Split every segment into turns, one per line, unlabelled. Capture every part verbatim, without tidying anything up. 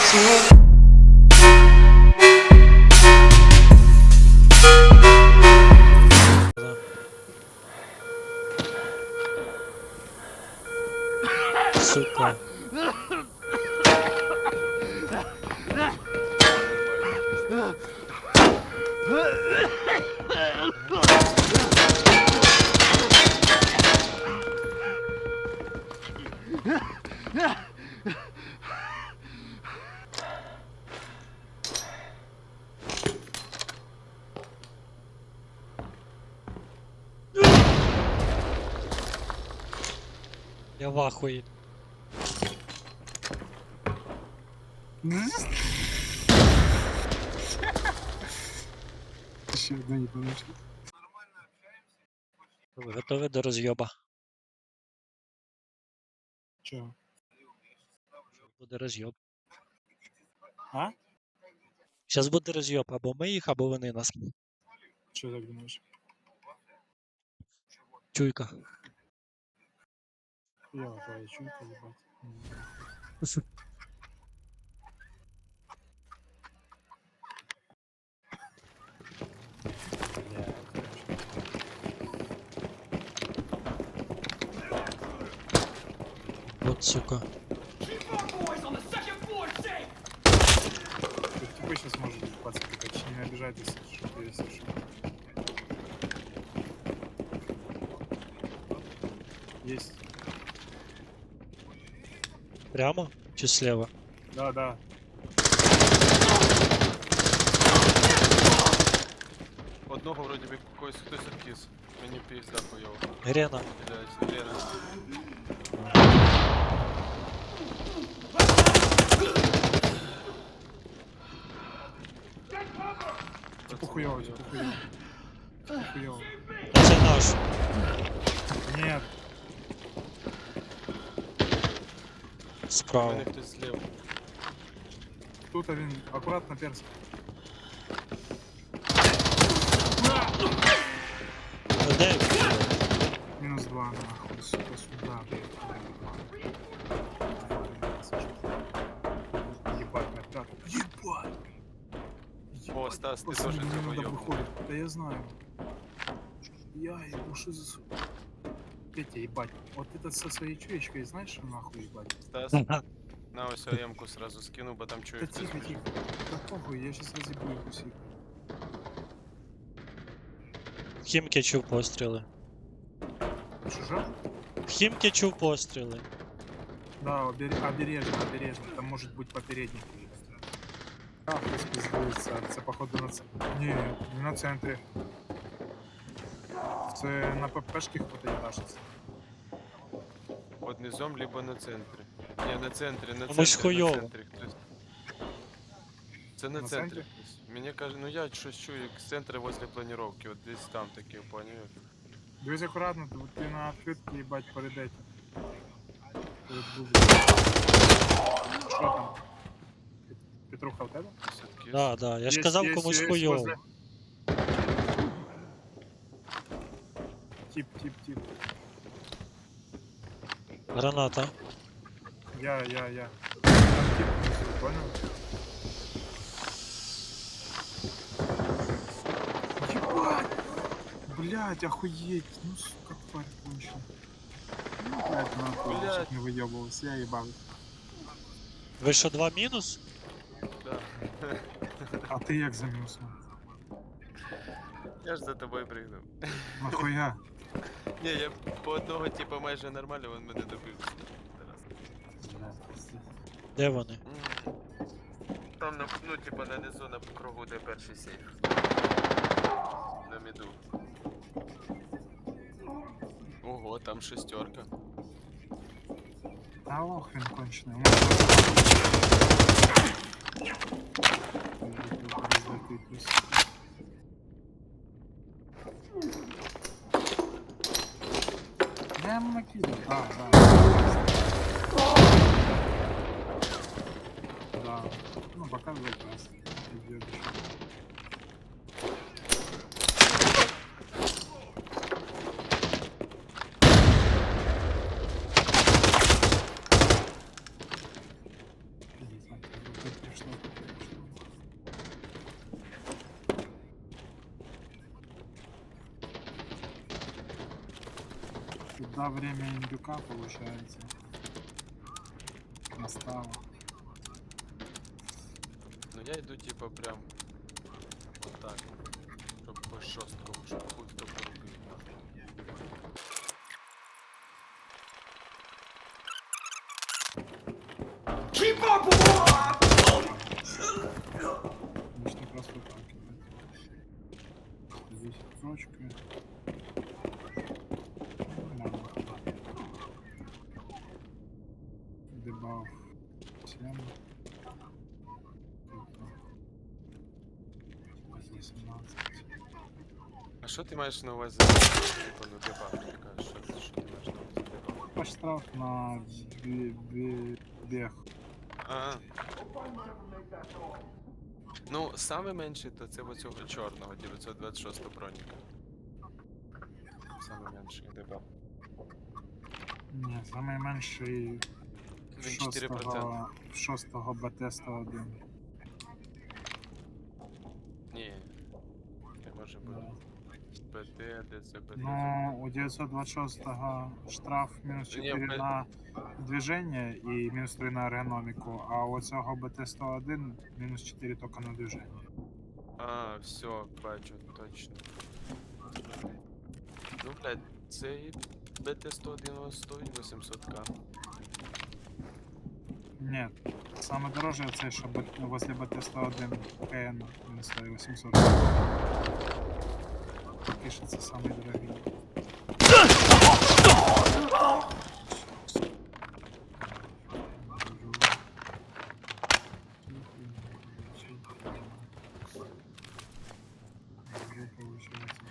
Сука. Я в ахуї.
Ще одна не помічна.
Ви готові до роз'єба?
Чого?
Буде роз'єб.
А?
Зараз буде роз'єб, або ми їх, або вони нас.
Чого так думаєш?
Чуйка.
Я твоя чуйка, їбать.
Вот, сука.
Тут типа сейчас может быть пацаны, короче, не обижайтесь, что ты совершил. Есть.
Прямо чи слева?
Да, да.
Одного вроді би когось хтось відкис. Мені пізда хуйово.
Грена.
Блядь, Лена.
Типа хуёво, типа хуёво. Типа хуёво.
А це наш.
Нет.
У
Справа.
мене хтось зліва.
Тут один аккуратно перс.
А де?
Минус два, нахуй, сука, сюда, блядь. Ебать, напряг. Ебать!
О, Стас, ти
Пацаны,
теж
мне
це
надо
хуйово.
выходит. Да я знаю. Я ебу, что за сука. Петя, ебать. Вот этот со своей чуечкой, знаешь, что нахуй ебать?
Стас, на ось АМ-ку сразу скину, бо там чую
Да
хтось.
тихо, тихо. Да похуй, я сейчас разъебу их усик.
В Хімки чув постріли.
Чужа?
В Хімки чув постріли.
Да, обер- обережно, обережно. Там может быть попередник. А, хтось пиздується. Це походу на ц... Ні, не на центрі. Це на ППшки хто-то їбашиться.
Под низом, либо на центрі. Ні, на центрі, на
Комусь
центрі, на
хуйово.
центрі хтось. Це на
На
центрі
центрі?
хтось. Мені каже, ну я щось чую, як з центру возле планировки, от десь там таке, поняв?
Дивись акуратно, ти, ти на відкритки, їбать, перед этим. Перед Google. Що там? Пет- Петруха в тебе?
Все-таки.
Да, да. Я ж
Есть,
казав
есть,
комусь
есть
хуйово.
возле. Тип, тип, тип.
Граната.
Я, я, я. Там тип внизу, понял? Ебать! Блять, охуеть! Ну сука, тварь кончена. Ну, блять, нахуй,
Блядь.
чтоб не выебывался, я ебал.
Ви що, два мінус?
Да.
А ты як замёсся?
Я ж за тобою пригнув.
Нахуя?
Ні, я по одного типу майже нормально, він мене добив. Зараз.
Де вони?
М. Там, на, ну, типа, на низу, на кругу, де перший сейф. На міду. Ого, там шестерка.
А лох він кончений. У нас Я ему накидываю. А, да. Да. Ну, показывает нас. Идет еще. Пиздец, нахуй. Тут пришло, тут пришло. Сюда время индюка получается. Настало.
Ну я йду типа прям отак. Щоб по шосткому, щоб хуй хто порубив.
Можно просто так кидать. Здесь строчка. Нормально. Дебаф семь. восемнадцать.
А що ти маєш на увазі? Типа, ну дебаг, ти кажеш, що, що ти маєш на увазі дебаг?
Ваш штраф на бе- бе- бег.
А. Ну, саме менший то це оцього чорного, дев'ятсот двадцять шість броніка. Саме менший дебаг.
Ні, самий менший
Він чотири проценти.
шостого, шостого БТ сто один.
Ні. Не може бути. БТ, де це БТ?
Ну, у дев'ятсот двадцять шостого штраф мінус
Ні,
чотири
в-
на движення і мінус три на ергономіку, а у цього БТ сто один мінус чотири тільки на движення.
А, все, бачу, точно. Ну, блядь, цей БТ сто один стоїть вісімсот к.
Ні, саме дороже це, що б- возле БТ сто один КН він стоїть вісімсот. Поки що це самий дорогий. Уже получается.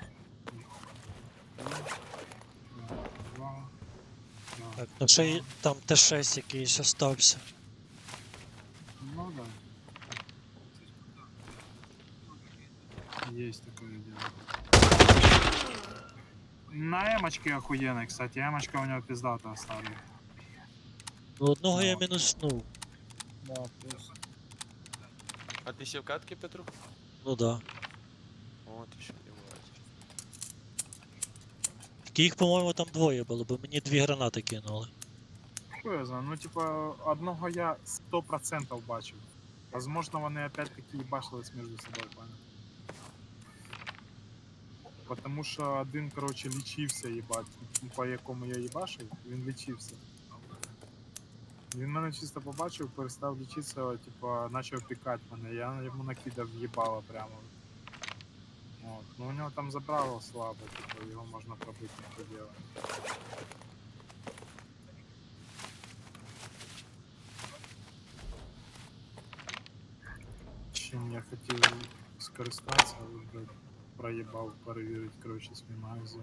Два.
Так, ну ще й там Т шість якийсь остався.
Ну да. Есть такое дело. На эмочке охуенный, кстати. Эмочка у него пиздата старая.
Ну одного я
Ну.
мінуснув.
Да, плюс.
А ти ще в катки, Петрух?
Ну да.
О, ти ще не буваєш.
Тільки їх, по-моєму, там двоє було, бо мені дві гранати кинули.
Що я знаю, ну типа одного я сто процентов бачив. Возможно, вони опять-таки їбашились між собою, пам'ятаю. Потому що один, короче, лічився, їбать, по якому я їбашив, він лічився. Він мене чисто побачив, перестав лічитися, типа, почав пікати мене, я йому накидав їбало прямо. От. Ну у нього там забрало слабо, типу, його можна пробити не поділати. Чим я хотів скористатися, але, блядь, проїбав перевірити, коротше, свій магазин.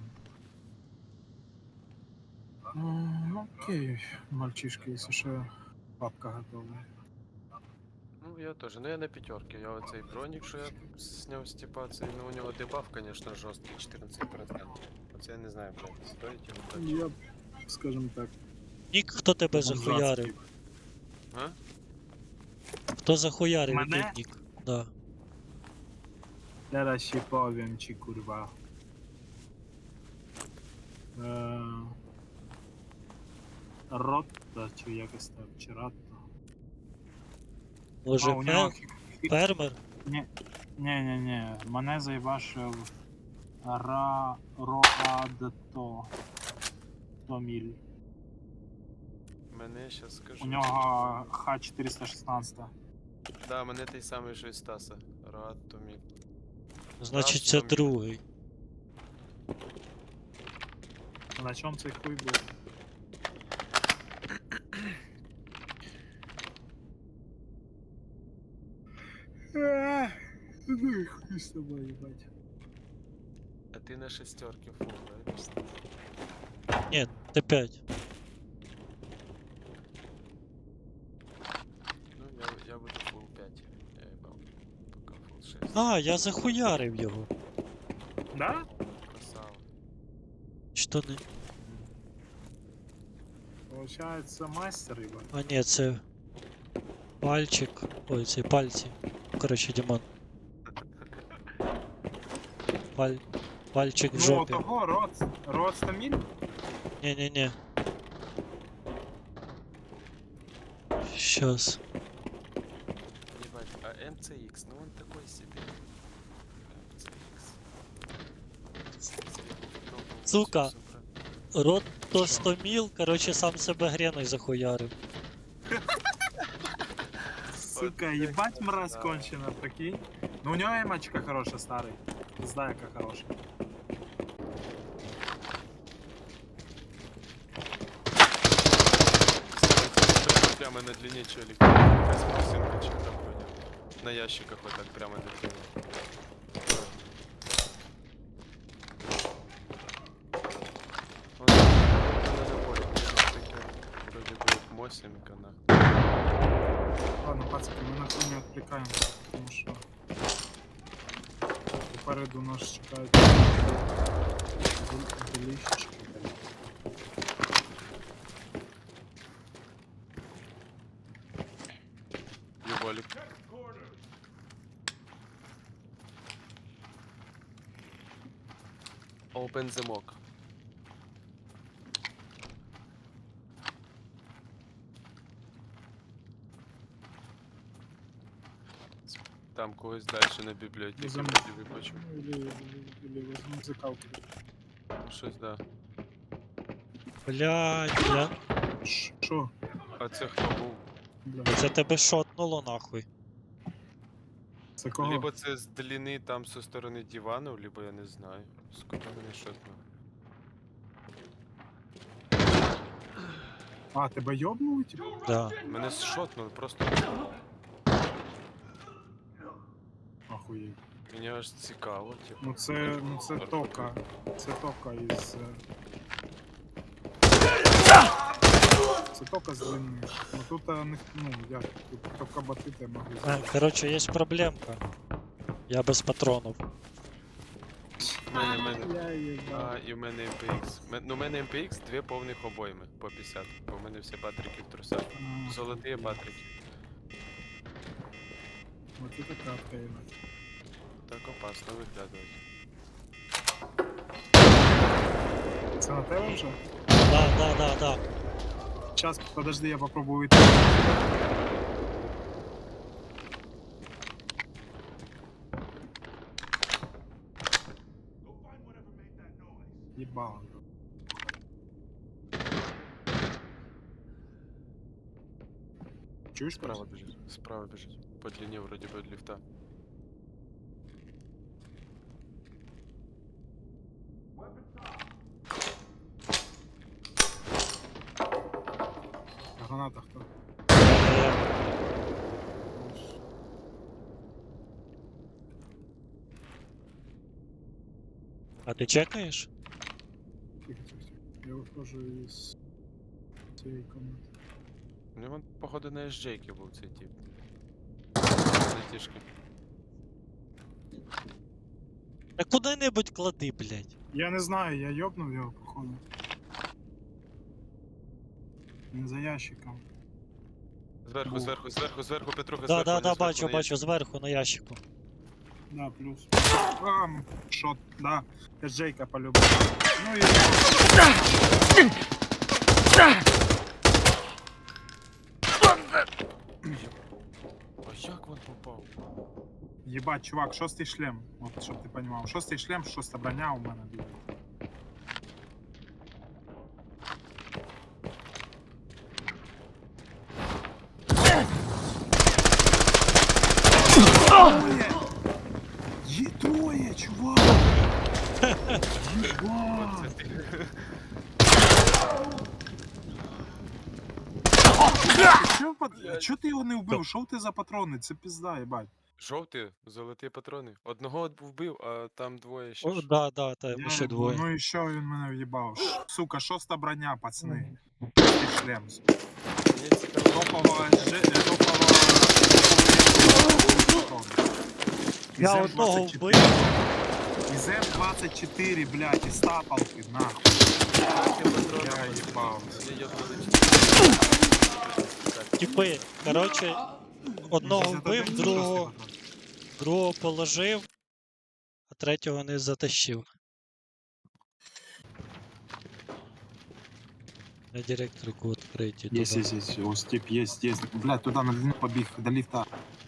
Ну, окей, мальчишки, якщо що, папка готова.
Ну, я теж. Ну я на п'ятерки. Я оцей бронік, що я зняв з типа, цей, ну у нього дебаф, конечно, жорсткий, чотирнадцять процентів. Оце я не знаю, блядь, стоїть його так.
Я, скажем так,
Нік, хто тебе
бомжатський.
захуярив?
А?
Хто захуярив?
Мене?
Який нік? Да.
Teraz się powiem ci, kurwa. Eee, Rotta, чи якось так, чи Ратта.
Може,
А, у нього
фе-
хі- хі-
фермер?
Ні, ні, ні, ні. Мене заїбашив Ра... Роадто. Томіль.
Мене щас скажу.
У нього Х чотириста шістнадцять.
Да, мене той самий, що і Стаса. Рад Томі.
Значить,
Раз,
це
там-
другий.
На чому цей хуй був? Ех, Ну і хуй з тобою, їбать.
А ти на шестерки фул, да?
Ні, Т п'ять.
Ну, я, я буду фул п'ять. Я їбав. Поки фул шесть.
А, я захуярив його.
Да?
Красава.
Що не.
Получается мастер, ебать.
А ні, це. Пальчик. Ой, це пальці. Коротше, Дімон. Паль... Пальчик в
Ну,
жопі.
того, Роц, Роц Таміль?
Не-не-не. Щас.
Ебать, а эм цэ икс, ну он такой себе. эм цэ икс.
Сука. Рот то сто міл, коротше, сам себе греною захуярив.
Сука, ебать мразь кончена, прикинь. Ну у него эмочка хорошая, старый. Знаю, как хорошая.
Прямо на длине челик. Космосинка что-то вроде. На ящиках вот так прямо на длине. Он на наборе, вроде бы мосинка на.
Ладно, пацаны, мы на хуй не отвлекаемся, потому что попереду нас чекають деліщички.
Ебалик. Open замок. Там когось дальше на бібліотеці
Замок.
вроді би почув.
Или, или возьму закалку.
Щось да.
Блядь, я...
Шо?
А це хто був?
Бля,
Це тебе шотнуло нахуй.
це кого?
Либо це з длини там со сторони дивану, либо я не знаю. Сколько мене шотно.
А, тебе йобнули, типу?
Да.
Мене шотнули, просто
Ахуєть.
мені аж цікаво, типу.
Ну це, ну це тока. Це тока із... е, Це тока з длиною. Ну тут, а, не- ну, як, тут тока батити могли
А,
зробити.
коротше, є проблемка. Я без патронів.
У мене, мене,
Я їбав.
а, і в мене ем пе ікс. Ме- Ну, у мене ем пе ікс дві повних обойми по п'ятдесят, бо в мене всі патрики в трусах.
А,
Золоті патрики.
Вот это кратка, ебать.
Так опасно виглядає.
Це на тебе вже?
Да, да, да, да.
Сейчас, подожди, я попробую выйти. Ебало. Чуешь,
Справа
просто?
біжить. Справа біжить. По длині вроді би від ліфта.
А граната кто?
Е, А ти чекаєш?
Тихо, тихо, тихо. Я выхожу из цієї комнаты.
У нього, походу, на ес джей-ки був цей тип. На тішки.
Та куди-небудь клади, блядь.
Я не знаю, я ёбнув його, походу. Він за ящиком.
Зверху,
Був.
зверху, зверху, зверху, Петруха,
Да,
зверху.
да,
вони
да,
зверху
бачу,
на
бачу,
ящик.
зверху на ящику.
Да, плюс. Ам, шот, да. Это Джейка по-любому. Ну и...
А як він попав?
Ебать, чувак, шостий шлем. Вот, щоб ти понимал. Шостий шлем, шоста броня у мене буде. Троє! Є троє, чувак! Єбать!
Оце ти.
Чо, под- Чо ти його не вбив? Що ти за патрони? Це пізда, єбать.
Жовті, золоті патрони. Одного вбив, а там двоє ще.
О,
ж.
да, да, та
Я
ми ще
їбу,
двоє.
Ну і що він мене в'їбав? Ш- Сука, шоста броня, пацани. Шостий шлем.
Мені цікаво.
Топова, же- е, топова...
Я
Із
одного
М двадцять
вбив.
чотири. Із М двадцять чотири, блядь, із тапалки, нахуй.
Я патрони
Я
просто-
їбав.
Я їбали
Типи, коротше, одного
шістдесят один,
вбив,
шостий
другого,
патрон.
другого положив, а третього не затащив. На директорку відкриті.
Есть,
туди.
есть, есть. О, степ есть, есть. Блядь, туда на длину побег, до лифта.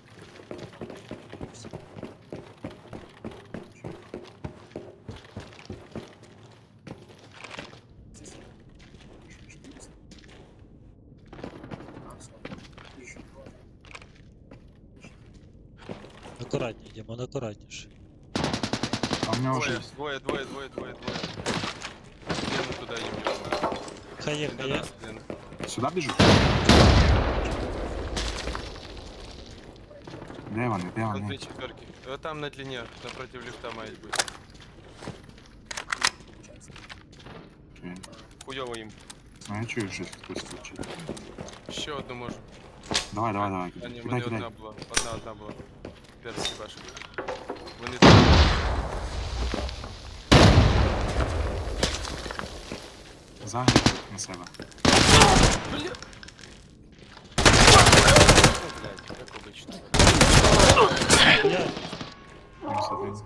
Акуратніше, Дімон, акуратніше.
А у меня уже
Двоє,
есть.
двоє, двоє, двоє, двоє, двоє. Лену туди їм його.
Хає,
Він до
хає.
нас, Лена.
Сюда бежу? Де вони, де
Там
вони?
дві четверки. Е, Там на длині, напротив ліфта мають бути.
Окей.
Хуйово їм.
Ну, я чую, що хтось кричить.
Ще одну можу.
Давай, давай, давай.
А ні,
Кидай,
вони
кидай.
одна була. Одна, одна була. Персі башик. Вони тут.
Загнув на себе.
Бля. О, блядь, як обично.
Блядь,
Мінус один.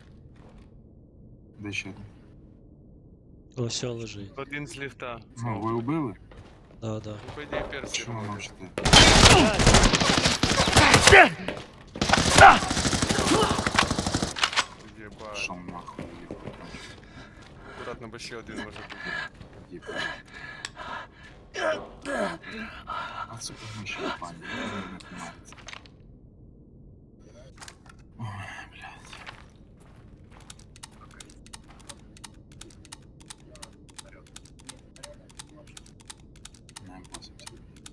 Де ще один?
о, все лежить.
Один з ліфта.
Ну, ви убили?
Да, да.
Ну, по ідеї персі.
Чому
робить.
мовчите?
Єбать.
Шо нахуй,
Акуратно, бо ще один може бути.
єбать. А сука, ми ще пані, не тримається. Ой, блядь. Не, восемьдесят.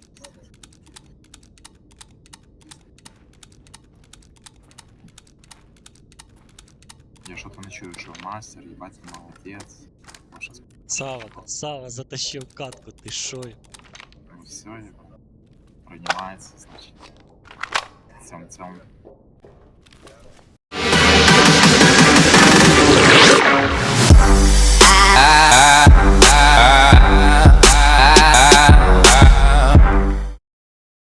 Я что-то не чую, что мастер, ебать, ты молодец. Ваша сп-
Сава, Сава затащив катку, ти шо?
ну все, ебать. Принимается, значит. В цьому, цьому.